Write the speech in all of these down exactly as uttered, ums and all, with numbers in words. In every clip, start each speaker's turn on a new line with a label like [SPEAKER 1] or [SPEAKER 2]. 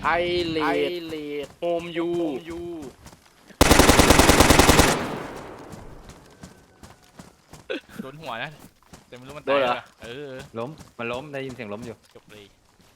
[SPEAKER 1] ไอเลดโฮมยู
[SPEAKER 2] โดนหัวนะแต่ไม่รู้มัน
[SPEAKER 1] โดนเหรอ
[SPEAKER 2] เออ
[SPEAKER 3] ล้มมันล้มได้ยินเสียงล้มอยู่
[SPEAKER 2] จบเลย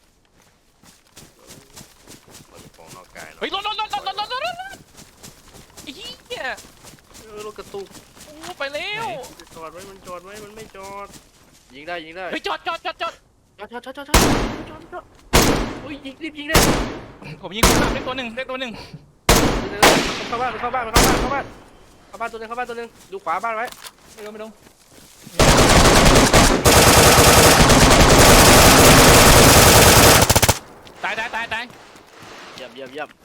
[SPEAKER 1] มันของนอกกาย
[SPEAKER 2] เฮ้ยรถรถรถรถรถรถรถรถไอ้เหี้ย
[SPEAKER 1] เออรถกระตุก
[SPEAKER 2] โอ้ไปเร็ว
[SPEAKER 1] จอดไว้มันจอดไว้มันไม่จอดยิงได้ยิงได้
[SPEAKER 2] เฮ้ยจอดจอดจอดจอด
[SPEAKER 1] จอดจอดจอดจอดจอดจอดจอดอุ้ยยิงรีบยิงเลย
[SPEAKER 2] ผมยิงคนขับได้ตัวหนึ่งได้ตัวหนึ่ง
[SPEAKER 1] เข้าบ้านเข้าบ้านเข้าบ้านเข้าบ้านเข้าบ้านตัวนึงเข้าบ้านตัวนึงดูขวาบ้านไว้
[SPEAKER 3] ไม่ลงไม่ลง
[SPEAKER 2] ตายตายตายตาย
[SPEAKER 1] เยี่ยมเยี่ยมเยี่ยม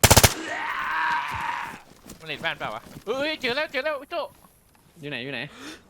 [SPEAKER 2] มันเห็นบ้านเปล่าวะเฮ้ยเจอแล้วเจอแล้วโจ้
[SPEAKER 3] อยู่ไหนอยู่ไหน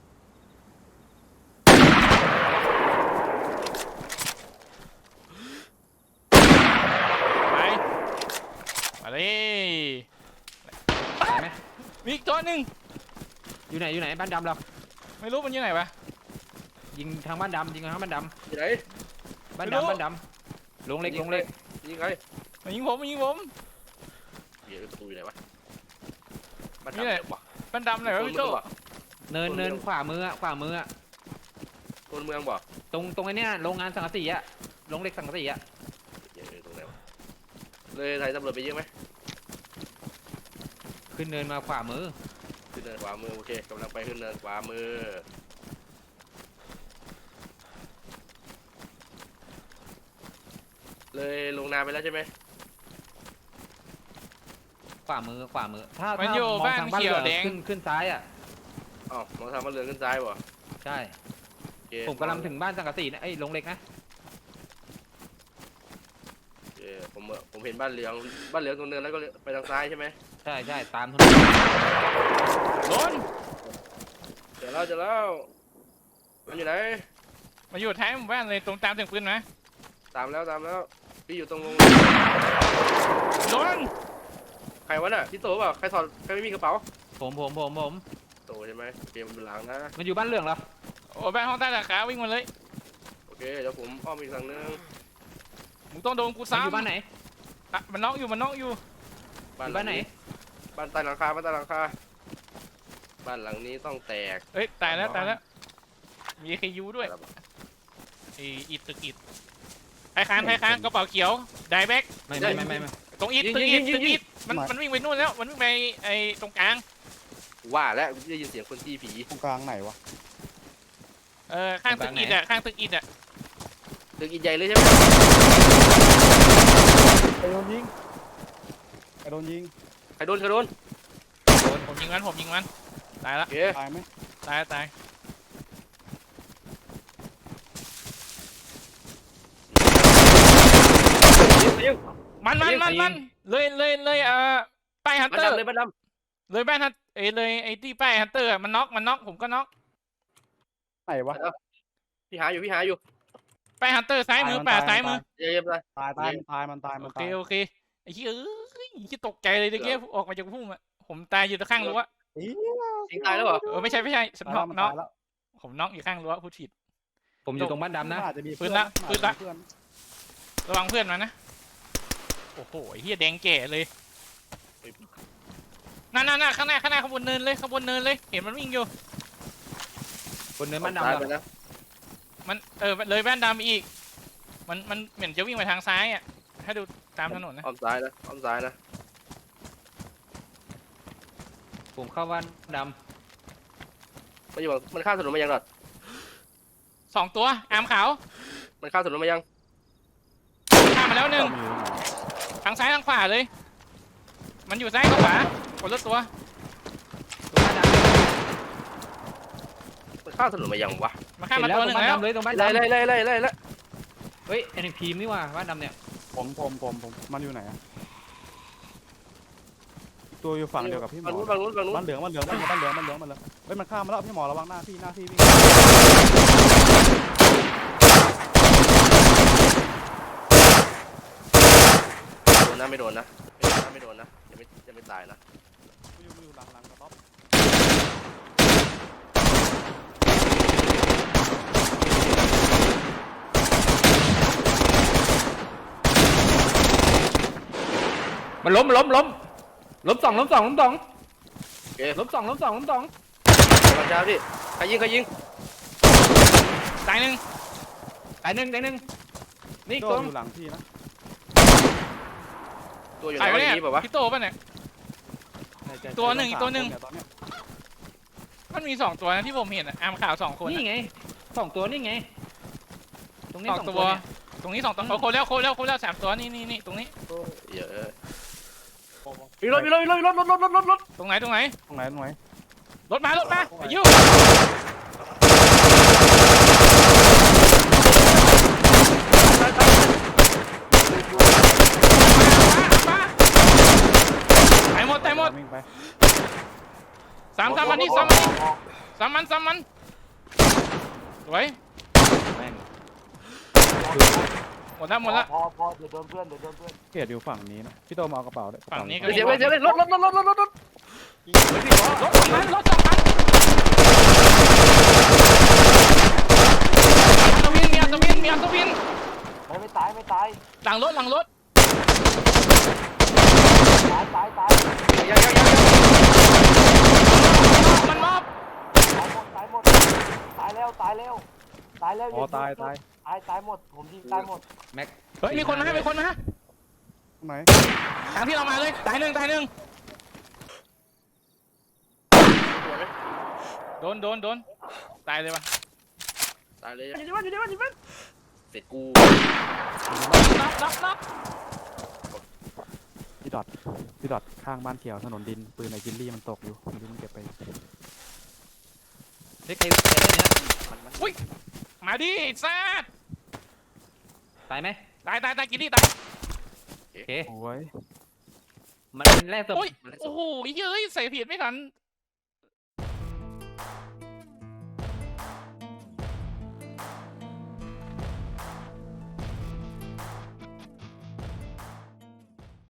[SPEAKER 2] ไปมาเลย
[SPEAKER 3] ตายไหม
[SPEAKER 2] มีอีกตัวหนึ่ง
[SPEAKER 3] อยู่ไหนอยู่ไหนบ้านดำเรา
[SPEAKER 2] ไม่รู้มันอยู่ไหนวะ
[SPEAKER 3] ยิงทางบ้านดำยิงทางบ้านด
[SPEAKER 1] อยู่ไหน
[SPEAKER 3] ำบ้านดำบ้านดำลงเล็กลงเล็ก
[SPEAKER 1] ยิงใคร
[SPEAKER 2] มันยิงผมมันยิงผม
[SPEAKER 1] เดี๋ยวประตูอยู่ไหนวะบ้าน
[SPEAKER 2] นี่แหละ
[SPEAKER 1] ดำวะ
[SPEAKER 2] มันดำไหนวะพี่โจ้
[SPEAKER 3] เนินเนินขวามืออะขวามืออะ
[SPEAKER 1] คนเมืองบ่
[SPEAKER 3] ตรงตรงไอ้เนี้ยโรงงานสังกะสีอะโรงเหล็กสังกะสีอะ
[SPEAKER 1] เดี๋ยวตรงไหนวะเลยไทยตำรวจไปเยอะไหม
[SPEAKER 3] ขึ้นเนินมาขวามือ
[SPEAKER 1] ขึ้นเนินขวามือโอเคกำลังไปขึ้นเนินขวามือเลยลงนาไปแล้วใช่ไหม
[SPEAKER 3] ขวามือขวามือถ้า
[SPEAKER 2] มัน
[SPEAKER 3] ถ้า
[SPEAKER 2] อยู่
[SPEAKER 3] มอง
[SPEAKER 2] บ้าน
[SPEAKER 3] ทางบ้าน
[SPEAKER 2] เขี
[SPEAKER 3] เห
[SPEAKER 2] ย
[SPEAKER 3] ลื
[SPEAKER 2] ว
[SPEAKER 3] อง
[SPEAKER 2] แดง
[SPEAKER 3] ขึ้นขึ้นซ้ายอะ
[SPEAKER 1] อ๋อมองทางมาเรือนขึ้นซ้ายบ่
[SPEAKER 3] ใช่
[SPEAKER 1] โอเค
[SPEAKER 3] ผมกำลังถึงบ้านสังกะสีนะไอ้ยโรงเหล็กนะ
[SPEAKER 1] โอเคผมผมเห็นบ้านเหลืองบ้านเหลืองตรงเนินแล้วก็ไปทางซ้ายใช่ไหม
[SPEAKER 3] ใช่ใช่ตามถนน
[SPEAKER 2] โดน
[SPEAKER 1] เจอแล้วเจอแล้วมันอยู่ไหน
[SPEAKER 2] มาอยู่ท้ายหมู่บ้านเลยตรงตามเสียงปืนนะ
[SPEAKER 1] ตามแล้วตามแล้วพี่อยู่ตรงลง
[SPEAKER 2] โดน
[SPEAKER 1] ใครวะน่ะพี่โตเปล่าใครถอดใครไม่มีกระเป๋า
[SPEAKER 3] ผมผมผมผม
[SPEAKER 1] โตใช่ไหมโอเคมันเป็นหลังนะ
[SPEAKER 3] มันอยู่บ้านเหลืองเหรอ
[SPEAKER 2] โอ้บ้านห้องใต้สาขาวิ่งมาเลย
[SPEAKER 1] โอเคเดี๋ยวผมอ้อมอีกทางนึง
[SPEAKER 2] มึงต้องโดนกู
[SPEAKER 3] มัน
[SPEAKER 2] ซ้ำ
[SPEAKER 3] อยู่บ้านไหน
[SPEAKER 2] อ่ะมันน็อกอยู่มันน็อกอยู่
[SPEAKER 3] อยู่บ้านไหน
[SPEAKER 1] บ้านใต้หลังคาบ้านใต้หลังคาบ้านหลังนี้ต้องแตก
[SPEAKER 2] เอ้ยตายแล้วตายแล้วมีใครยูด้วยไออิดตึกอิดไอคานไอคานกระเป๋าเขียวไดแบ็ก
[SPEAKER 3] ไม่ไม่ไม่ไม่ไม่
[SPEAKER 2] ตรงอิดตึกอิดตึกอิดมันมันวิ่งไปนู่นแล้วมันวิ่งไปไอตรงกลาง
[SPEAKER 1] ว่าแล้วได้ยินเสียงคนตีผี
[SPEAKER 4] ตรงกลางไหนวะ
[SPEAKER 2] เออข้างตึกอิดอ่ะข้างตึกอิดอ่ะ
[SPEAKER 1] ตึกอีกใหญ่เลยใช่ไหม
[SPEAKER 4] ไอ้โดนยิงไอ้โดนยิง
[SPEAKER 1] ใครโดนใครโดน
[SPEAKER 2] ผมยิงมันผมยิงมันตายละ
[SPEAKER 1] โอเค
[SPEAKER 4] ตายไหม
[SPEAKER 2] ตายตาย
[SPEAKER 1] ยิงยิง
[SPEAKER 2] มันมันมันมันเลยเลยเลยเอ่อป้ายฮัน
[SPEAKER 1] บ้าน
[SPEAKER 2] เตอร์
[SPEAKER 1] ดำเลยบ้านด
[SPEAKER 2] เลยบ้านฮันเอ้ยเลยไอ้ที่ป้ายฮันเตอร์มันน็อกมันน็อกผมก็น็อก
[SPEAKER 4] ไหนวะ
[SPEAKER 1] ำพี่หาอยู่พี่หาอยู่
[SPEAKER 2] ป้ายฮันเตอร์ซ้ายมือป่าซ้ายมือ
[SPEAKER 1] เยี่ยมเยี่ยมเลย
[SPEAKER 4] ตายตายมันตายมันตาย
[SPEAKER 2] โอ
[SPEAKER 4] มัน
[SPEAKER 2] เค
[SPEAKER 4] ตาย
[SPEAKER 2] โอเคไอ้เหี้ยเอ้ยที่ตกใจเลยตะเกียบออกมาจากพุ่มอ่ะผมตายอยู่ตะข้างรั้ว
[SPEAKER 1] ยิงตายแล้วเหรอ
[SPEAKER 2] เออไม่ใช่ไม่ใช่ฉัน
[SPEAKER 4] ตาย
[SPEAKER 2] น็
[SPEAKER 4] แล้
[SPEAKER 2] อ
[SPEAKER 4] ว
[SPEAKER 2] ก
[SPEAKER 4] มัน
[SPEAKER 2] น็อก
[SPEAKER 4] ตายแล้ว
[SPEAKER 2] ผมน็อกอยู่ข้างรั้วพูดผิด
[SPEAKER 3] ผมอยู่ตรงบ้านดำนะ
[SPEAKER 4] อาจจะมี
[SPEAKER 2] ปืนละปืนละ
[SPEAKER 4] เพื่อน
[SPEAKER 2] ระวังเพื่อนมันนะโอ้โหไอ้เหี้ยแดงแก่เลยนั่นนั่นนั่นข้างหน้าข้างหน้าขางบวนเนินเลยขางบวนเนินเลยเห็นมันวิ่งอยู่
[SPEAKER 3] บนเนินบ้านดำ
[SPEAKER 1] ตาย
[SPEAKER 3] เหร
[SPEAKER 1] ไป
[SPEAKER 3] อ
[SPEAKER 1] นะ
[SPEAKER 2] มันเออเลยบ้านดำอีกมันมันเหมือนจะวิ่งไปทางซ้ายอ่ะถ้าดูตามถนนนะ
[SPEAKER 1] อ้อมซ้ายนะอ้อมซ้ายนะ
[SPEAKER 3] ผมเข้าบ้านด
[SPEAKER 1] มันอยู่มันข้ามถนนมายังหรอ
[SPEAKER 2] สองตัวอามขาว
[SPEAKER 1] มันข้ามถนนมายัง
[SPEAKER 2] ข้ามมาแล้วหนึ่งทางซ้ายทางขวาเลย มันอยู่ซ้ายกับขวาคนละตัว
[SPEAKER 3] ำตรงบ้านดำ
[SPEAKER 1] มันข้ามถนนมายังวะ
[SPEAKER 2] มาข้าม
[SPEAKER 3] เห็
[SPEAKER 2] มาน
[SPEAKER 3] แล้ว
[SPEAKER 2] ตัว
[SPEAKER 3] ต
[SPEAKER 2] ห
[SPEAKER 3] ร
[SPEAKER 2] นึ่
[SPEAKER 3] ง
[SPEAKER 2] ง
[SPEAKER 3] บ้าน
[SPEAKER 2] แล้ว
[SPEAKER 3] ดำเลยตรงบ้าน
[SPEAKER 1] ไล่
[SPEAKER 3] ดำ
[SPEAKER 1] ไล่ไล่ไล่ไล่ไล่ไล่
[SPEAKER 3] เฮ้ยไอ้พีมนี่ว่าบ้านดำเนี่ย
[SPEAKER 4] ผมผมผมผมมันอยู่ไหนอะตัวอยู่ฝั่งเดียวกับพี่หม
[SPEAKER 1] ฝั่ง
[SPEAKER 4] อ
[SPEAKER 1] นู้นฝั่งนู้นฝั่งนู้น
[SPEAKER 4] บ้านเหลืองบ้านเหลืองบ้านเหลืองบ้านเหลืองบ้านเหลืองบ้านเหลืองเฮ้ยมันข้ามมาแล้วพี่หมอระวังหน้าพี่หน้าพี่วิ่ง
[SPEAKER 1] โดนนะไม่โดนนะไม่โดนนะไม่โดนนะยังไม่ยังไม่ตายนะ
[SPEAKER 4] อยู่อยู่หลังหลังกระต๊อบ
[SPEAKER 3] มันล้มมันล้มล้มล้มสองล้มสองล้มสอง
[SPEAKER 1] โอเค
[SPEAKER 3] ล้มสองล้มสองล้มสอง
[SPEAKER 1] กำลังจะพี่ใครยิงใครยิง
[SPEAKER 2] ตายหนึ่ง
[SPEAKER 3] ตายหนึ่งตายหนึ่งนี่อีก
[SPEAKER 4] โจ้
[SPEAKER 3] ตัว
[SPEAKER 4] อยู่หลังพี่นะ
[SPEAKER 1] ตัวอยู่ไห
[SPEAKER 2] ตาย
[SPEAKER 1] น
[SPEAKER 2] ไป
[SPEAKER 1] วะอ
[SPEAKER 2] เนี่ย
[SPEAKER 1] ย่างนี้เปล่าวะ
[SPEAKER 2] พี่โตป่ะเนี่ย ตัวหนึ่งอีกตัวหนึ่ง
[SPEAKER 4] ตอนเนี้ย
[SPEAKER 2] มันมีสองตัวนะที่ผมเห็นอะอาร์มข่าวสองคน
[SPEAKER 3] นี่
[SPEAKER 2] อะ
[SPEAKER 3] ไงสองตัวนี่ไงตรงนี้
[SPEAKER 2] สอง
[SPEAKER 3] สอง
[SPEAKER 2] ตั
[SPEAKER 3] ตัว วเนี่ย
[SPEAKER 2] ตรงนี้สองตัวโคแล้วโคแล้วโคแล้วสามตัวนี่นี่นี่ตรงนี้
[SPEAKER 1] เยอะมีรถมีรถมีรถมีรถรถรถรถรถรถ
[SPEAKER 2] ตรงไหนตรงไหน
[SPEAKER 4] ตรงไหนตรงไหน
[SPEAKER 2] รถมารถมาอายุตายหมดตายหมด
[SPEAKER 4] วิ่งไป
[SPEAKER 2] สามสามมันนี่สามมันนี่สามมันสามมันสวย
[SPEAKER 3] แม่ง
[SPEAKER 2] หมดแล้วหมดแล้ว
[SPEAKER 5] พอพอเดี๋ยวโดนเพื่อนเดี๋ยวโดนเพื่อน
[SPEAKER 4] เกตอยู่ฝั่งนี้นะพี่โตมาเอากระเป๋าด้วย
[SPEAKER 2] ฝั่งนี้ก็
[SPEAKER 1] เดี๋ยวเดี๋ยวเดี๋ยวรถรถรถรถรถรถรถ
[SPEAKER 2] รถสองคันรถสองคันมีอัศวินมีอัศวินมีอัศวิน
[SPEAKER 5] ไม่ไม่ตายไม่ตาย
[SPEAKER 2] หลังรถหลังรถ
[SPEAKER 5] ตายตายตาย
[SPEAKER 1] ยังยังยัง
[SPEAKER 2] มันมอบ
[SPEAKER 5] ตายหมดตายหมดตายแล้วตายแล้วตายแล้ว
[SPEAKER 4] อ๋อตายตาย
[SPEAKER 5] ตายตายหมดผมยิงตายหมด
[SPEAKER 3] แม็ก
[SPEAKER 2] เฮ้ยมีคนมามีคนมา
[SPEAKER 4] ตรงไหน
[SPEAKER 2] ทางที่เรามาเลยตายหนึ่งตายหนึ่งโดนโดนโดนตายเลยวะ
[SPEAKER 1] ตายเลยอยู่ที่บ้านอยู่ที่บ้านอยู่ที่บ้านเสร็จกู
[SPEAKER 2] นับนับนับ
[SPEAKER 4] พี่ดอทพี่ดอทข้างบ้านเขียวถนนดินปืนไอ้กินลี่มันตกอยู่ไม่รู้มันเก็บไป
[SPEAKER 3] เฮ้ยใครใครได้เนี่ย
[SPEAKER 2] อุ้ยมาดิซาด
[SPEAKER 3] ตายไหม
[SPEAKER 2] ตายตายตายกินดิตาย
[SPEAKER 3] โอเค
[SPEAKER 4] โอ้ย
[SPEAKER 3] มันเป็นแรกศพ
[SPEAKER 2] โอ้ยโอ้โหเย้ยใส่ผิดไม่ทัน